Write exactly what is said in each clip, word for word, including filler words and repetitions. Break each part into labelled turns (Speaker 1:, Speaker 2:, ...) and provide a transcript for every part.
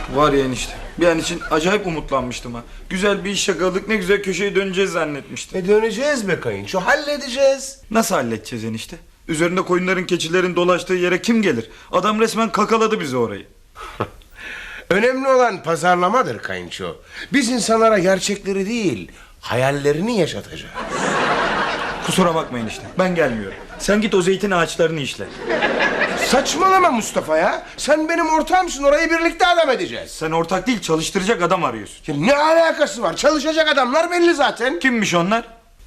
Speaker 1: Var ya enişte. Bir an için acayip umutlanmıştım ha. Güzel bir iş yakaladık, ne güzel köşeye döneceğiz zannetmiştim.
Speaker 2: E döneceğiz be kayınço, halledeceğiz.
Speaker 1: Nasıl halledeceğiz enişte? Üzerinde koyunların, keçilerin dolaştığı yere kim gelir? Adam resmen kakaladı bizi orayı.
Speaker 2: Önemli olan pazarlamadır kayınço. Biz insanlara gerçekleri değil, hayallerini yaşatacağız.
Speaker 1: Kusura bakmayın işte, ben gelmiyorum. Sen git o zeytin ağaçlarını işle.
Speaker 2: Saçmalama Mustafa ya. Sen benim ortağımsın, orayı birlikte adam edeceğiz.
Speaker 1: Sen ortak değil, çalıştıracak adam arıyorsun.
Speaker 2: Ya ne alakası var? Çalışacak adamlar belli zaten.
Speaker 1: Kimmiş onlar?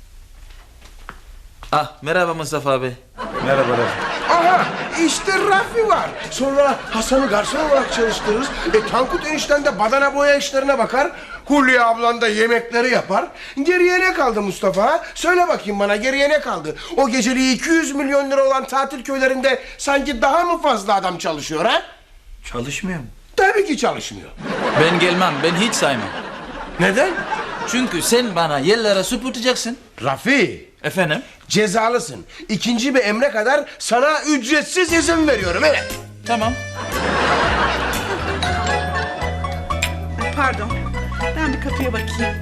Speaker 3: Ah merhaba Mustafa abi.
Speaker 1: Merhaba Rafi.
Speaker 2: Aha işte Rafi var. Sonra Hasan'ı garson olarak çalıştırırız. E Tankut enişten de badana boya işlerine bakar. Hulya ablan da yemekleri yapar. Geriye ne kaldı Mustafa? Söyle bakayım bana, geriye ne kaldı? O geceliği iki yüz milyon lira olan tatil köylerinde sanki daha mı fazla adam çalışıyor ha?
Speaker 1: Çalışmıyor mu?
Speaker 2: Tabii ki çalışmıyor.
Speaker 3: Ben gelmem, ben hiç saymam.
Speaker 2: Neden?
Speaker 3: Çünkü sen bana yerlere süpürteceksin.
Speaker 2: Rafi,
Speaker 3: Efendim?
Speaker 2: cezalısın. İkinci bir emre kadar sana ücretsiz izin veriyorum. Evet.
Speaker 3: Tamam.
Speaker 4: Pardon. Ben bir kapıya bakayım.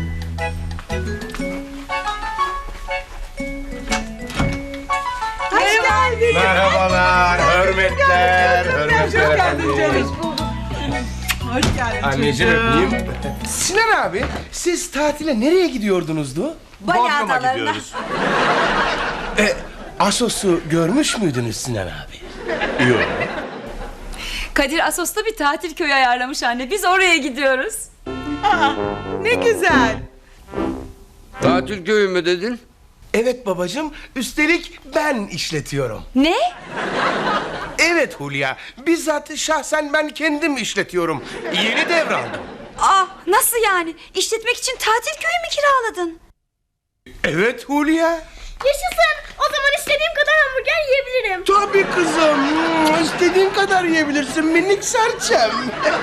Speaker 4: Hoş geldin.
Speaker 2: Merhabalar, hürmetler,
Speaker 4: Hoş geldin canım. Hoş geldin.
Speaker 2: Anneciğim öpeyim. Sinan abi, siz tatile nereye gidiyordunuzdu?
Speaker 5: Bali adalarına.
Speaker 2: E, Assos'u görmüş müydünüz Sinan abi? Yok.
Speaker 5: Kadir Assos'ta bir tatil köyü ayarlamış anne. Biz oraya gidiyoruz.
Speaker 4: Aa, ne güzel.
Speaker 6: Tatil köyü mü dedin?
Speaker 2: Evet babacığım, üstelik ben işletiyorum.
Speaker 5: Ne?
Speaker 2: Evet Hulya, bizzat şahsen ben kendim işletiyorum. Yeni devraldım.
Speaker 5: Aa, nasıl yani? İşletmek için tatil köyü mü kiraladın?
Speaker 2: Evet Hulya.
Speaker 7: Yaşasın. O zaman istediğim kadar hamburger yiyebilirim.
Speaker 2: Tabii kızım, istediğin kadar yiyebilirsin minik serçem.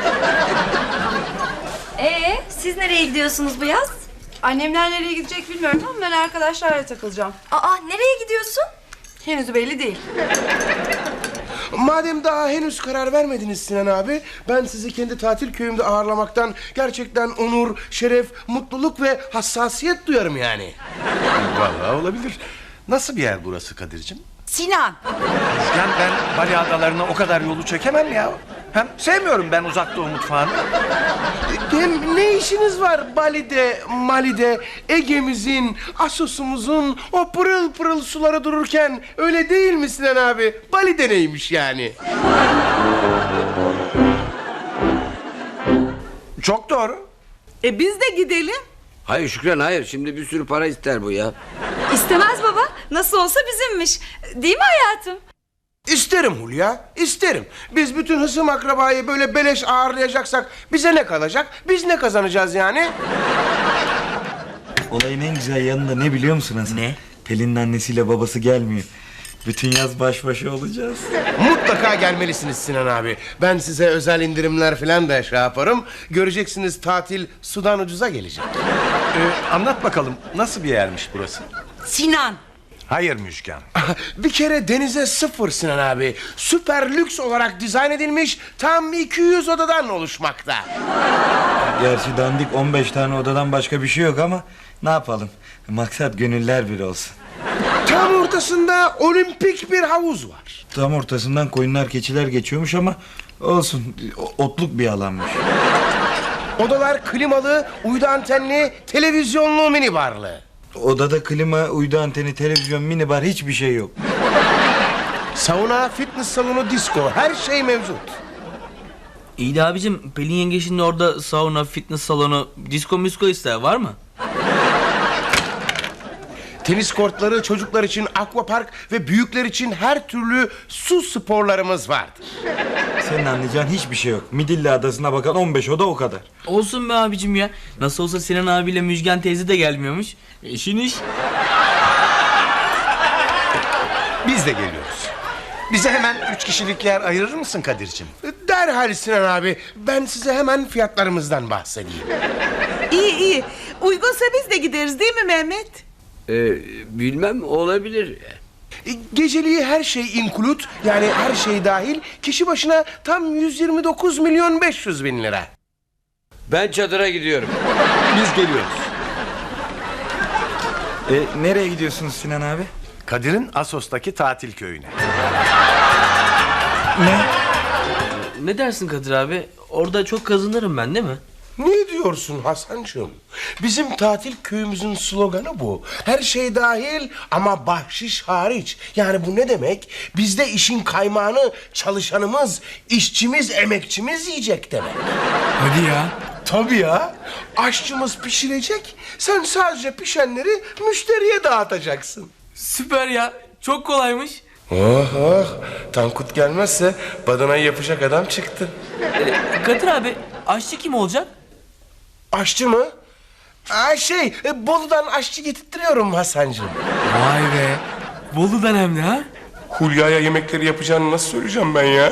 Speaker 5: Ee, siz nereye gidiyorsunuz bu yaz?
Speaker 8: Annemler nereye gidecek bilmiyorum ama ben arkadaşlarla takılacağım.
Speaker 5: Aa, nereye gidiyorsun?
Speaker 8: Henüz belli değil.
Speaker 2: Madem daha henüz karar vermediniz Sinan abi, ben sizi kendi tatil köyümde ağırlamaktan gerçekten onur, şeref, mutluluk ve hassasiyet duyarım yani.
Speaker 9: Vallahi olabilir. Nasıl bir yer burası Kadir'cim?
Speaker 8: Sinan.
Speaker 9: Müjgan, ben Bali adalarına o kadar yolu çekemem ya. Hem sevmiyorum ben uzak doğu mutfağını.
Speaker 2: Hem ne işiniz var Bali'de, Mali'de, Ege'mizin, Assos'umuzun o pırıl pırıl suları dururken, öyle değil mi Sinan abi? Bali'de neymiş yani?
Speaker 9: Çok doğru.
Speaker 4: E biz de gidelim.
Speaker 6: Hayır Şükran, hayır. Şimdi bir sürü para ister bu ya.
Speaker 5: İstemez baba. Nasıl olsa bizimmiş. Değil mi hayatım?
Speaker 2: İsterim Hulya, isterim. Biz bütün hısım akrabayı böyle beleş ağırlayacaksak bize ne kalacak? Biz ne kazanacağız yani?
Speaker 1: Olayın en güzel yanında ne biliyor musun Hasan?
Speaker 3: Ne?
Speaker 1: Pelin'in annesiyle babası gelmiyor. Bütün yaz baş başa olacağız.
Speaker 2: Mutlaka gelmelisiniz Sinan abi. Ben size özel indirimler falan da şey yaparım. Göreceksiniz, tatil sudan ucuza gelecek.
Speaker 9: Ee, anlat bakalım nasıl bir yermiş burası?
Speaker 8: Sinan.
Speaker 9: Hayır Müjgan.
Speaker 2: Bir kere denize sıfır Sinan abi. Süper lüks olarak dizayn edilmiş, tam iki yüz odadan oluşmakta.
Speaker 1: Gerçi dandik on beş tane odadan başka bir şey yok ama ne yapalım? Maksat gönüller bir olsun.
Speaker 2: Tam ortasında olimpik bir havuz var.
Speaker 1: Tam ortasından koyunlar, keçiler geçiyormuş ama olsun, o- otluk bir alanmış.
Speaker 2: Odalar klimalı, uydu antenli, televizyonlu mini barlı.
Speaker 1: Odada klima, uydu anteni, televizyon, minibar, hiçbir şey yok.
Speaker 2: Sauna, fitness salonu, disco, her şey mevcut.
Speaker 3: İyi de abicim, Pelin yenge şimdi orada sauna, fitness salonu, disco misko ister, var mı?
Speaker 2: Tenis kortları, çocuklar için akvapark ve büyükler için her türlü su sporlarımız vardır.
Speaker 1: Senin anlayacağın hiçbir şey yok. Midilli Adası'na bakan on beş oda, o kadar.
Speaker 3: Olsun be abicim ya. Nasıl olsa Sinan abiyle Müjgan teyze de gelmiyormuş. İşin iş.
Speaker 9: Biz de geliyoruz. Bize hemen üç kişilik yer ayırır mısın Kadir'cim?
Speaker 2: Derhal Sinan abi, ben size hemen fiyatlarımızdan bahsedeyim.
Speaker 4: İyi iyi. Uygunsa biz de gideriz değil mi Mehmet?
Speaker 6: Ee, bilmem, olabilir.
Speaker 2: E, Geceliği her şey include, yani her şey dahil, kişi başına tam yüz yirmi dokuz milyon beş yüz bin lira.
Speaker 6: Ben çadıra gidiyorum.
Speaker 9: Biz geliyoruz.
Speaker 1: E, nereye gidiyorsunuz Sinan abi?
Speaker 9: Kadir'in Assos'taki tatil köyüne.
Speaker 1: Ne?
Speaker 3: Ne dersin Kadir abi? Orada çok kazanırım ben değil mi?
Speaker 2: Ne diyorsun Hasancığım? Bizim tatil köyümüzün sloganı bu. Her şey dahil ama bahşiş hariç. Yani bu ne demek? Bizde işin kaymağını çalışanımız, işçimiz, emekçimiz yiyecek demek.
Speaker 3: Hadi ya.
Speaker 2: Tabii ya. Aşçımız pişirecek. Sen sadece pişenleri müşteriye dağıtacaksın.
Speaker 3: Süper ya. Çok kolaymış.
Speaker 2: Oh oh. Tankut gelmezse badanayı yapacak adam çıktı.
Speaker 3: Kadir abi aşçı kim olacak?
Speaker 2: Aşçı mı? Aa, şey, e, Bolu'dan aşçı getirtiyorum Hasancığım.
Speaker 3: Vay be. Bolu'dan hem de ha?
Speaker 2: Hulya'ya yemekleri yapacağını nasıl söyleyeceğim ben ya?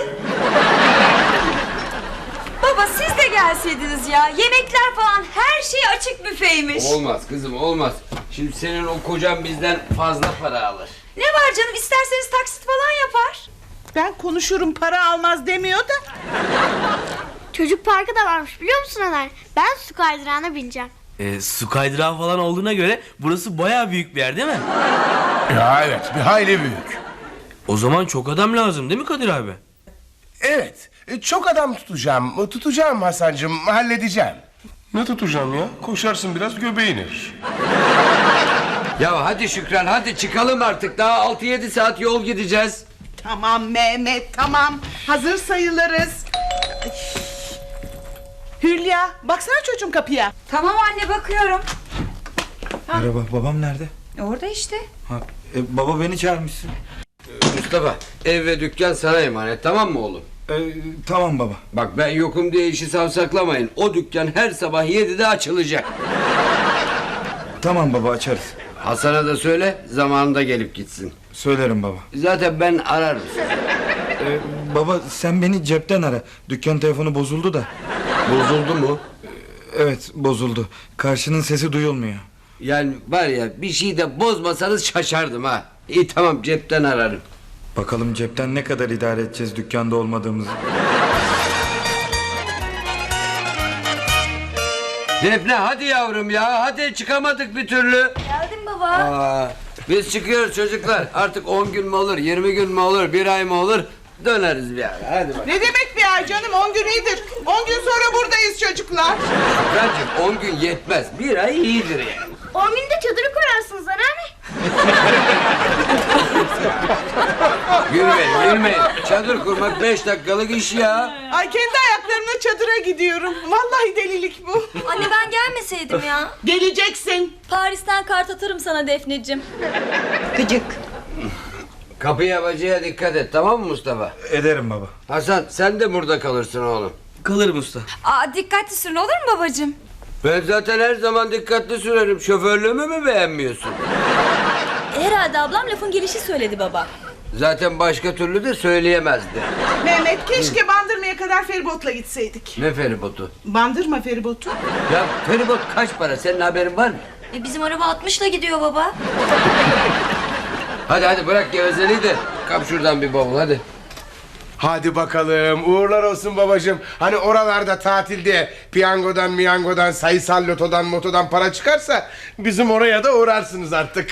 Speaker 5: Baba siz de gelseydiniz ya. Yemekler falan her şey açık büfeymiş.
Speaker 6: Olmaz kızım olmaz. Şimdi senin o kocan bizden fazla para alır.
Speaker 5: Ne var canım, isterseniz taksit falan yapar.
Speaker 4: Ben konuşurum, para almaz demiyor da.
Speaker 7: Çocuk parkı da varmış biliyor musun Ömer? Ben su kaydırağına bineceğim.
Speaker 3: E, su kaydırağı falan olduğuna göre burası bayağı büyük bir yer değil mi?
Speaker 2: Ya evet, bir hayli büyük.
Speaker 3: O zaman çok adam lazım değil mi Kadir abi?
Speaker 2: Evet, e, çok adam tutacağım. Tutacağım Hasancığım, halledeceğim. Ne tutacağım ya? Koşarsın biraz göbeğin erir.
Speaker 6: Ya hadi Şükran hadi çıkalım artık. Daha altı yedi saat yol gideceğiz.
Speaker 4: Tamam Mehmet, tamam. Hazır sayılırız. Ay. Hülya, baksana çocuğum kapıya.
Speaker 5: Tamam anne, bakıyorum.
Speaker 1: Merhaba, babam nerede?
Speaker 5: Orada işte.
Speaker 1: Ha, e, baba beni çağırmışsın.
Speaker 6: Mustafa ev ve dükkan sana emanet tamam mı oğlum?
Speaker 1: E, tamam baba.
Speaker 6: Bak ben yokum diye işi savsaklamayın. O dükkan her sabah yedide açılacak.
Speaker 1: Tamam baba, açarız.
Speaker 6: Hasan'a da söyle zamanında gelip gitsin.
Speaker 1: Söylerim baba.
Speaker 6: Zaten ben ararım.
Speaker 1: E, baba sen beni cepten ara. Dükkan telefonu bozuldu da.
Speaker 6: Bozuldu mu?
Speaker 1: Evet, bozuldu. Karşının sesi duyulmuyor.
Speaker 6: Yani var ya bir şey de bozmasanız şaşardım ha. İyi tamam cepten ararım.
Speaker 1: Bakalım cepten ne kadar idare edeceğiz dükkanda olmadığımızı.
Speaker 6: Defne hadi yavrum ya hadi çıkamadık bir türlü.
Speaker 5: Geldim baba.
Speaker 6: Aa, biz çıkıyoruz çocuklar. Artık on gün mü olur, yirmi gün mü olur, bir ay mı olur? Döneriz bir ara. Hadi bak.
Speaker 4: Ne demek bir ay canım? On gün iyidir. On gün sonra buradayız çocuklar.
Speaker 6: Bence on gün yetmez. Bir ay iyidir yani.
Speaker 7: On günde çadırı kurarsınız anneanne.
Speaker 6: Gülmeyin, gülmeyin. Çadır kurmak beş dakikalık iş ya.
Speaker 4: Ay kendi ayaklarımla çadıra gidiyorum. Vallahi delilik bu.
Speaker 5: Anne ben gelmeseydim ya.
Speaker 4: Geleceksin.
Speaker 5: Paris'ten kart atarım sana Defneciğim.
Speaker 4: Gıcık.
Speaker 6: Kapıya bacaya dikkat et tamam mı Mustafa?
Speaker 1: Ederim baba.
Speaker 6: Hasan sen de burada kalırsın oğlum.
Speaker 3: Kalırım usta.
Speaker 5: Aa, dikkatli sürün olur mu babacığım?
Speaker 6: Ben zaten her zaman dikkatli sürerim. Şoförlüğümü mü beğenmiyorsun?
Speaker 5: Herhalde ablam lafın gelişi söyledi baba.
Speaker 6: Zaten başka türlü de söyleyemezdi.
Speaker 4: Mehmet keşke Bandırma'ya kadar feribotla gitseydik.
Speaker 6: Ne feribotu?
Speaker 4: Bandırma feribotu.
Speaker 6: Ya feribot kaç para? Senin haberin var mı?
Speaker 5: E, bizim araba altmışla gidiyor baba.
Speaker 6: Hadi hadi bırak gevezeliği de kap şuradan bir bavul hadi.
Speaker 2: Hadi bakalım, uğurlar olsun babacığım. Hani oralarda tatilde piyangodan, miyangodan, sayısal lotodan, motodan para çıkarsa bizim oraya da uğrarsınız artık.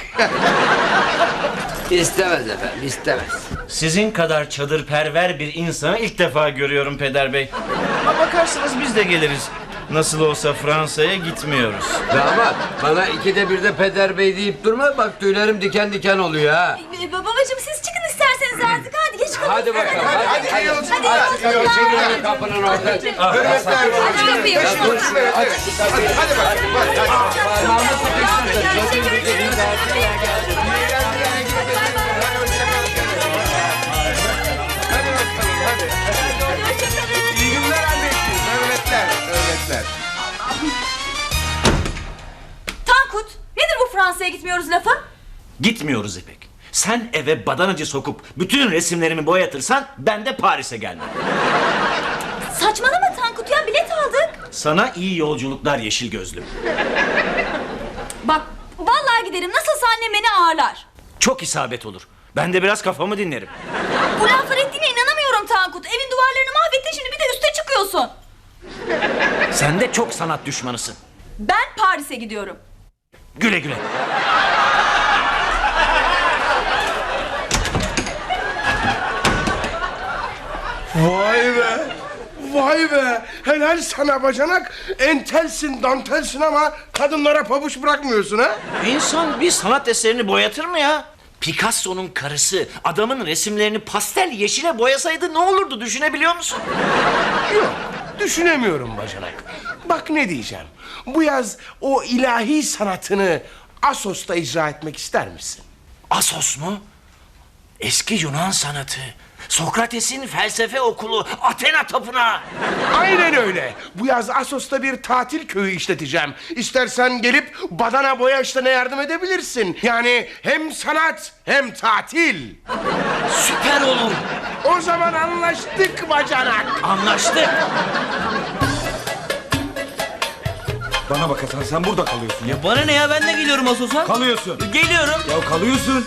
Speaker 6: İstemez efendim istemez.
Speaker 10: Sizin kadar çadırperver bir insanı ilk defa görüyorum Peder Bey. Ama bakarsanız biz de geliriz. Nasıl olsa Fransa'ya gitmiyoruz.
Speaker 6: Damat bana ikide bir de Peder Bey deyip durma bak tüylerim diken diken oluyor ha.
Speaker 5: E, babacığım siz çıkın isterseniz artık. Hadi geç kalın.
Speaker 6: Hadi bakalım hadi hadi.
Speaker 2: Hadi, hadi,
Speaker 6: Hadi,
Speaker 2: hadi, hadi,
Speaker 6: Hadi,
Speaker 2: hadi.
Speaker 6: kapının orada.
Speaker 2: Hürmetler
Speaker 5: Aç kapıyı.
Speaker 6: Ya dur şuraya aç.
Speaker 2: Hadi, hadi bak, bak, hadi.
Speaker 6: Parmağımı sıkıştırdın.
Speaker 2: İyi günler anneciğim. Hürmetler, hürmetler.
Speaker 5: Tankut, nedir bu Fransa'ya gitmiyoruz lafı?
Speaker 10: Gitmiyoruz İpek. Sen eve badanacı sokup bütün resimlerimi boyatırsan ben de Paris'e gelmem.
Speaker 5: Saçmalama Tankut ya, bilet aldık.
Speaker 10: Sana iyi yolculuklar yeşil gözlüm.
Speaker 5: Bak vallahi giderim, nasılsa annem beni ağırlar.
Speaker 10: Çok isabet olur. Ben de biraz kafamı dinlerim.
Speaker 5: Bu laflar ettiğine inanamıyorum Tankut. Evin duvarlarını mahvettin, şimdi bir de üste çıkıyorsun.
Speaker 10: Sen de çok sanat düşmanısın.
Speaker 5: Ben Paris'e gidiyorum.
Speaker 10: Güle güle.
Speaker 2: Vay be. Vay be. Helal sana bacanak. Entelsin, dantelsin ama kadınlara pabuç bırakmıyorsun ha?
Speaker 10: İnsan bir sanat eserini boyatır mı ya? Picasso'nun karısı adamın resimlerini pastel yeşile boyasaydı ne olurdu, düşünebiliyor musun?
Speaker 2: Yok, düşünemiyorum bacanak. Bak ne diyeceğim. Bu yaz o ilahi sanatını Assos'ta icra etmek ister misin?
Speaker 10: Assos mu? Eski Yunan sanatı. Sokrates'in felsefe okulu, Athena tapınağı.
Speaker 2: Aynen öyle. Bu yaz Assos'ta bir tatil köyü işleteceğim. İstersen gelip badana boya işlerine yardım edebilirsin. Yani hem sanat hem tatil.
Speaker 10: Süper olur.
Speaker 2: O zaman anlaştık bacanak.
Speaker 10: Anlaştık.
Speaker 1: Bana bak Hasan, sen burada kalıyorsun ya.
Speaker 3: Ya bana ne ya, ben de geliyorum Assos'a.
Speaker 1: Kalıyorsun.
Speaker 3: Geliyorum.
Speaker 1: Ya kalıyorsun.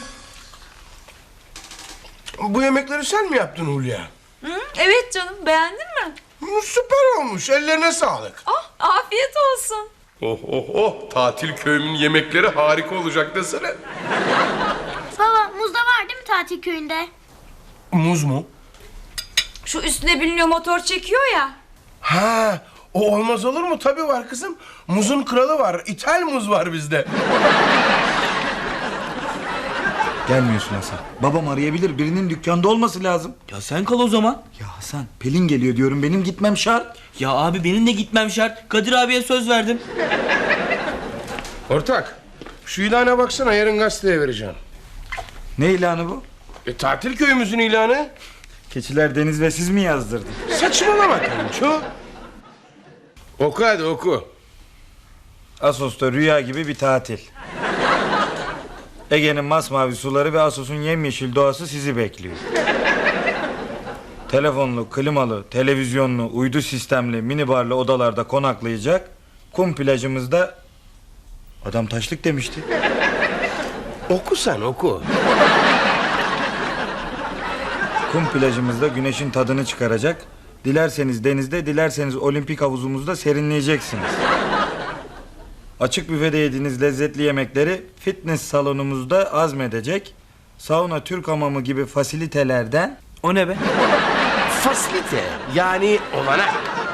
Speaker 2: Bu yemekleri sen mi yaptın Hulya?
Speaker 5: Hı? Evet canım, beğendin mi?
Speaker 2: Hı, süper olmuş. Ellerine sağlık.
Speaker 5: Oh, afiyet olsun.
Speaker 2: Oh oh oh. Tatil köyümün yemekleri harika olacak desene.
Speaker 7: Baba muz da var değil mi tatil köyünde?
Speaker 2: Muz mu?
Speaker 5: Şu üstüne biniliyor, motor çekiyor ya.
Speaker 2: Ha, o olmaz olur mu? Tabii var kızım. Muzun kralı var. İthal muz var bizde.
Speaker 1: Gelmiyorsun Hasan. Babam arayabilir. Birinin dükkanda olması lazım.
Speaker 3: Ya sen kal o zaman.
Speaker 1: Ya Hasan, Pelin geliyor diyorum. Benim gitmem şart.
Speaker 3: Ya abi benim de gitmem şart. Kadir abiye söz verdim.
Speaker 2: Ortak, şu ilana baksana, yarın gazeteye vereceğim.
Speaker 1: Ne ilanı bu?
Speaker 2: E, tatil köyümüzün ilanı.
Speaker 1: Keçiler Deniz ve siz mi yazdırdın?
Speaker 2: Saçmalama kayınço. Oku hadi oku.
Speaker 1: Assos'ta rüya gibi bir tatil. Ege'nin masmavi suları ve Assos'un yemyeşil doğası sizi bekliyor. Telefonlu, klimalı, televizyonlu, uydu sistemli, minibarlı odalarda konaklayacak. Kum plajımızda... Adam taşlık demişti.
Speaker 2: Oku sen oku.
Speaker 1: Kum plajımızda güneşin tadını çıkaracak. Dilerseniz denizde, dilerseniz olimpik havuzumuzda serinleyeceksiniz. Açık büfede yediğiniz lezzetli yemekleri fitness salonumuzda azmedecek. Sauna, Türk hamamı gibi fasilitelerden...
Speaker 3: O ne be?
Speaker 2: Fasilite yani olanak.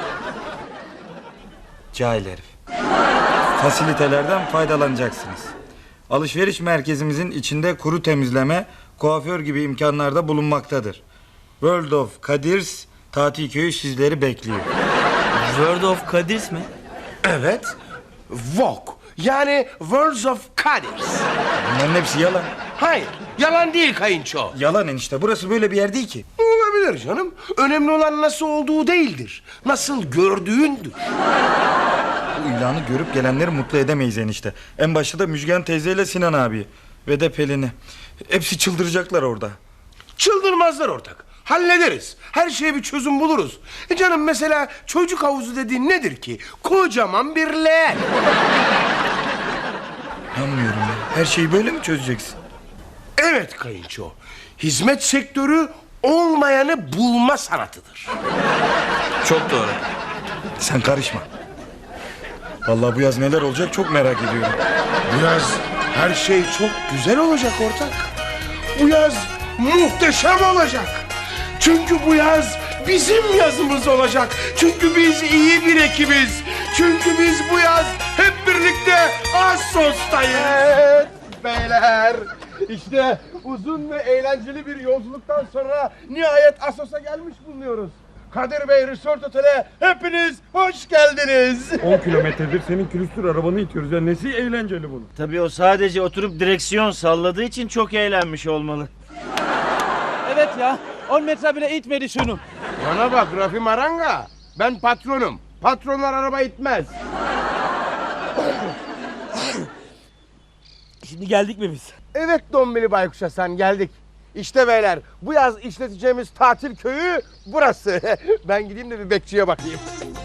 Speaker 1: Cahil herif. Fasilitelerden faydalanacaksınız. Alışveriş merkezimizin içinde kuru temizleme, kuaför gibi imkanlarda bulunmaktadır. World of Kadirs tatil köyü sizleri bekliyor.
Speaker 3: World of Kadirs mi?
Speaker 2: Evet. Vogue yani Words of Kadirs.
Speaker 1: Bunların hepsi yalan.
Speaker 2: Hayır, yalan değil kayınço.
Speaker 1: Yalan enişte. Burası böyle bir yer değil ki.
Speaker 2: Olabilir canım. Önemli olan nasıl olduğu değildir. Nasıl gördüğündür.
Speaker 1: Bu ilanı görüp gelenleri mutlu edemeyiz enişte. En başta da Müjgan teyzeyle Sinan abi ve de Pelin'i. Hepsi çıldıracaklar orada.
Speaker 2: Çıldırmazlar ortak. Hallederiz. Her şeye bir çözüm buluruz. E canım mesela çocuk havuzu dediğin nedir ki? Kocaman bir leğen.
Speaker 1: Anlamıyorum ya. Her şeyi böyle mi çözeceksin?
Speaker 2: Evet kayınço. Hizmet sektörü olmayanı bulma sanatıdır.
Speaker 3: Çok doğru.
Speaker 1: Sen karışma. Vallahi bu yaz neler olacak çok merak ediyorum.
Speaker 2: Bu yaz her şey çok güzel olacak ortak. Bu yaz muhteşem olacak. Çünkü bu yaz bizim yazımız olacak. Çünkü biz iyi bir ekibiz. Çünkü biz bu yaz hep birlikte Assos'tayız. Evet beyler. İşte uzun ve eğlenceli bir yolculuktan sonra nihayet Assos'a gelmiş bulunuyoruz. Kadir Bey Resort Otel'e hepiniz hoş geldiniz.
Speaker 11: on kilometredir senin külüstür arabanı itiyoruz ya, nesi eğlenceli bunun?
Speaker 10: Tabii o sadece oturup direksiyon salladığı için çok eğlenmiş olmalı.
Speaker 11: Evet ya, on metre bile itmedi şunu.
Speaker 2: Bana bak Rafi Maranga. Ben patronum. Patronlar araba itmez.
Speaker 11: Şimdi geldik mi biz?
Speaker 2: Evet Dombili Baykuş Hasan geldik. İşte beyler bu yaz işleteceğimiz tatil köyü burası. Ben gideyim de bir bekçiye bakayım.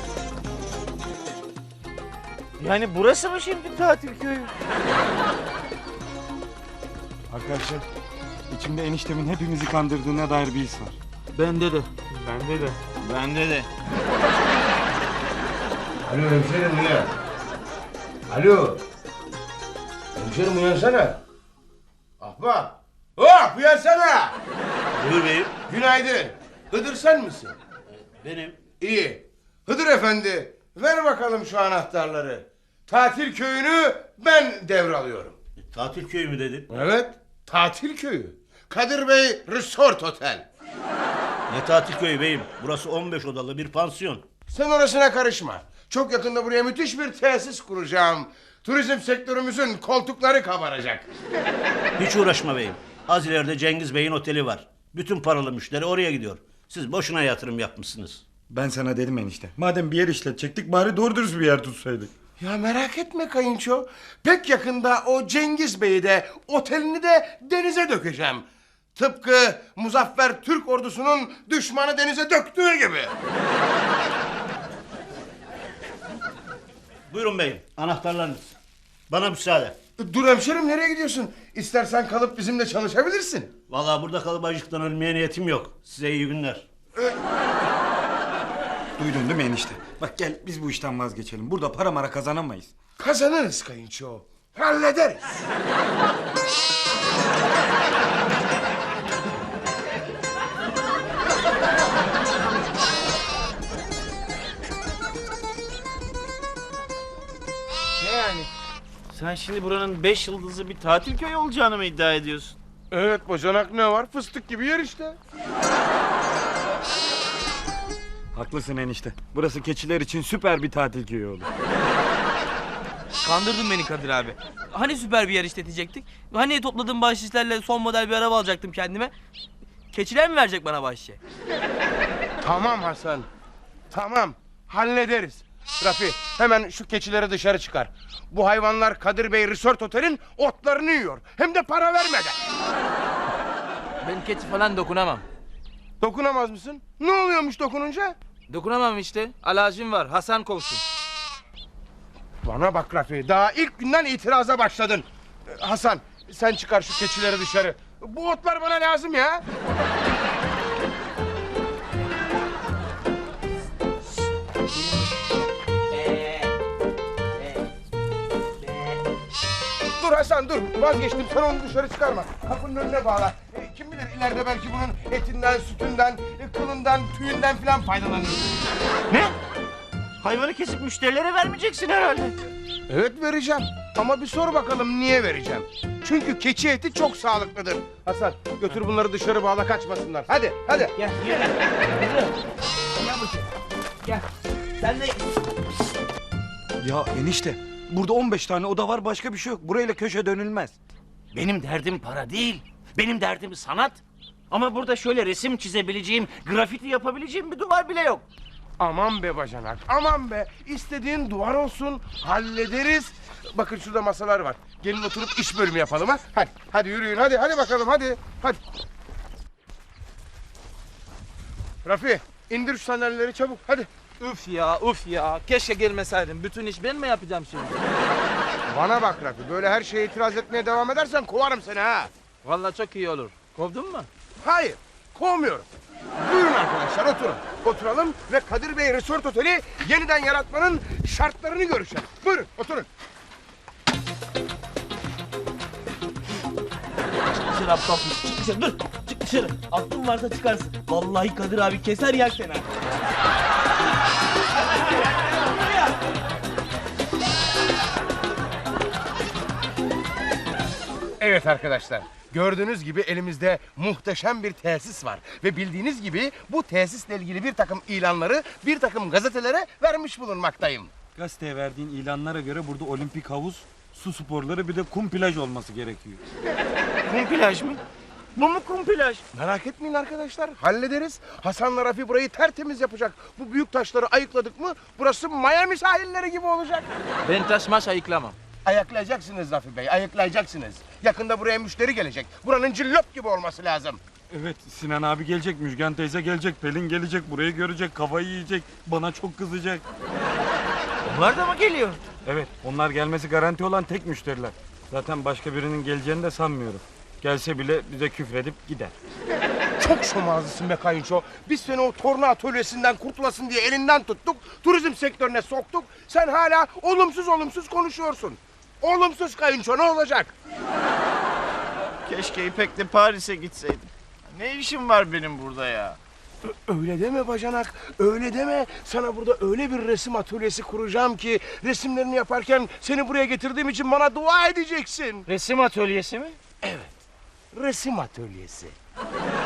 Speaker 10: Yani burası mı şimdi tatil köyü?
Speaker 2: Arkadaşlar
Speaker 1: İçimde eniştemin hepimizi kandırdığına dair bir his var.
Speaker 3: Bende de.
Speaker 10: Bende de. Bende de.
Speaker 2: Alo hemşerim uyan. Alo. Hemşerim uyansana. Ahbap. Hop uyansana.
Speaker 10: Buyur beyim.
Speaker 2: Günaydın. Hıdır sen misin?
Speaker 10: Benim.
Speaker 2: İyi. Hıdır efendi ver bakalım şu anahtarları. Tatil köyünü ben devralıyorum.
Speaker 10: Tatil köyü mü dedin?
Speaker 2: Evet. Tatil köyü. Kadir Bey Resort Otel.
Speaker 10: Ne tatil köyü beyim? Burası on beş odalı bir pansiyon.
Speaker 2: Sen orasına karışma. Çok yakında buraya müthiş bir tesis kuracağım. Turizm sektörümüzün koltukları kabaracak.
Speaker 10: Hiç uğraşma beyim. Az ileride Cengiz Bey'in oteli var. Bütün paralı müşteri oraya gidiyor. Siz boşuna yatırım yapmışsınız.
Speaker 1: Ben sana dedim enişte. Madem bir yer işletecektik bari doğru dürüst bir yer tutsaydık.
Speaker 2: Ya merak etme kayınço. Pek yakında o Cengiz Bey'i de otelini de denize dökeceğim. Tıpkı Muzaffer Türk ordusunun düşmanı denize döktüğü gibi.
Speaker 10: Buyurun beyim. Anahtarlarınız. Bana müsaade.
Speaker 2: Dur hemşerim nereye gidiyorsun? İstersen kalıp bizimle çalışabilirsin.
Speaker 10: Vallahi burada kalıp acıktan ölmeye niyetim yok. Size iyi günler.
Speaker 1: Duydun değil mi enişte? Bak gel biz bu işten vazgeçelim. Burada para mara kazanamayız.
Speaker 2: Kazanırız kayınço. Hallederiz.
Speaker 10: Ne yani? Sen şimdi buranın beş yıldızlı bir tatil köyü olacağını mı iddia ediyorsun?
Speaker 2: Evet bacanak ne var? Fıstık gibi yer işte.
Speaker 1: Haklısın enişte. Burası keçiler için süper bir tatil köyü olur.
Speaker 3: Kandırdın beni Kadir abi. Hani süper bir yer işletecektik? Hani topladığım bahşişlerle son model bir araba alacaktım kendime? Keçiler mi verecek bana bahşişe?
Speaker 2: Tamam Hasan. Tamam. Hallederiz. Rafi hemen şu keçileri dışarı çıkar. Bu hayvanlar Kadir Bey Resort Otel'in otlarını yiyor. Hem de para vermeden.
Speaker 3: Ben keçi falan dokunamam.
Speaker 2: Dokunamaz mısın? Ne oluyormuş dokununca?
Speaker 3: Dokunamam işte. Alerjim var. Hasan kovsun.
Speaker 2: Bana bak Rafi. Daha ilk günden itiraza başladın. Ee, Hasan sen çıkar şu keçileri dışarı. Bu otlar bana lazım ya. Dur Hasan dur. Vazgeçtim. Sen onu dışarı çıkarma. Kapının önüne bağla. Ee, kim bilir ileride belki bunun etinden, sütünden, e, kılından, tüyünden falan faydalanırız.
Speaker 10: Ne? Hayvanı kesip müşterilere vermeyeceksin herhalde.
Speaker 2: Evet vereceğim. Ama bir sor bakalım niye vereceğim. Çünkü keçi eti çok sağlıklıdır. Hasan götür bunları dışarı bağla kaçmasınlar. Hadi hadi.
Speaker 3: Gel, gel. Gel bakayım. Gel. Sen de...
Speaker 1: Ya enişte burada on beş tane oda var başka bir şey yok. Burayla köşe dönülmez.
Speaker 10: Benim derdim para değil. Benim derdim sanat. Ama burada şöyle resim çizebileceğim, grafiti yapabileceğim bir duvar bile yok.
Speaker 2: Aman be bacanak aman be. İstediğin duvar olsun hallederiz. Bakın şurada masalar var. Gelin oturup iş bölümü yapalım ha. Hadi hadi yürüyün hadi hadi bakalım hadi. Hadi. Rafi indir şu sandalyeleri çabuk hadi.
Speaker 11: Üf ya üf ya. Keşke gelmeseydin. Bütün iş ben mi yapacağım şimdi?
Speaker 2: Bana bak Rafi böyle her şeye itiraz etmeye devam edersen kovarım seni ha.
Speaker 11: Vallahi çok iyi olur. Kovdun mu?
Speaker 2: Hayır, kovmuyorum. Buyurun arkadaşlar oturun. Oturalım ve Kadir Bey Resort Oteli yeniden yaratmanın şartlarını görüşelim. Buyurun oturun.
Speaker 3: Dışarı aptal. Çık dışarı dur. Çık dışarı. Aklın varsa çıkarsın. Vallahi Kadir abi keser yer seni.
Speaker 2: Evet arkadaşlar. Gördüğünüz gibi elimizde muhteşem bir tesis var. Ve bildiğiniz gibi bu tesisle ilgili bir takım ilanları bir takım gazetelere vermiş bulunmaktayım.
Speaker 1: Gazeteye verdiğin ilanlara göre burada olimpik havuz, su sporları bir de kum plaj olması gerekiyor.
Speaker 10: Kum plaj mı? Bu mu kum plaj?
Speaker 2: Merak etmeyin arkadaşlar hallederiz. Hasan'la Rafi burayı tertemiz yapacak. Bu büyük taşları ayıkladık mı burası Miami sahilleri gibi olacak.
Speaker 11: Ben taşmaş ayıklamam.
Speaker 2: Ayıklayacaksınız Rafi Bey, ayıklayacaksınız. Yakında buraya müşteri gelecek. Buranın cillop gibi olması lazım.
Speaker 1: Evet Sinan abi gelecek, Müjgan teyze gelecek, Pelin gelecek, burayı görecek, kafayı yiyecek, bana çok kızacak.
Speaker 10: Onlar da mı geliyor?
Speaker 1: Evet onlar gelmesi garanti olan tek müşteriler. Zaten başka birinin geleceğini de sanmıyorum. Gelse bile bize küfredip gider.
Speaker 2: Çok şomazlısın be kayınço. Biz seni o torna atölyesinden kurtulasın diye elinden tuttuk. Turizm sektörüne soktuk. Sen hala olumsuz olumsuz konuşuyorsun. Olumsuz kayınço, ne olacak?
Speaker 10: Keşke İpek'le Paris'e gitseydim. Ne işim var benim burada ya?
Speaker 2: Öyle deme bacanak, öyle deme. Sana burada öyle bir resim atölyesi kuracağım ki resimlerini yaparken seni buraya getirdiğim için bana dua edeceksin.
Speaker 10: Resim atölyesi mi?
Speaker 2: Resim atölyesi.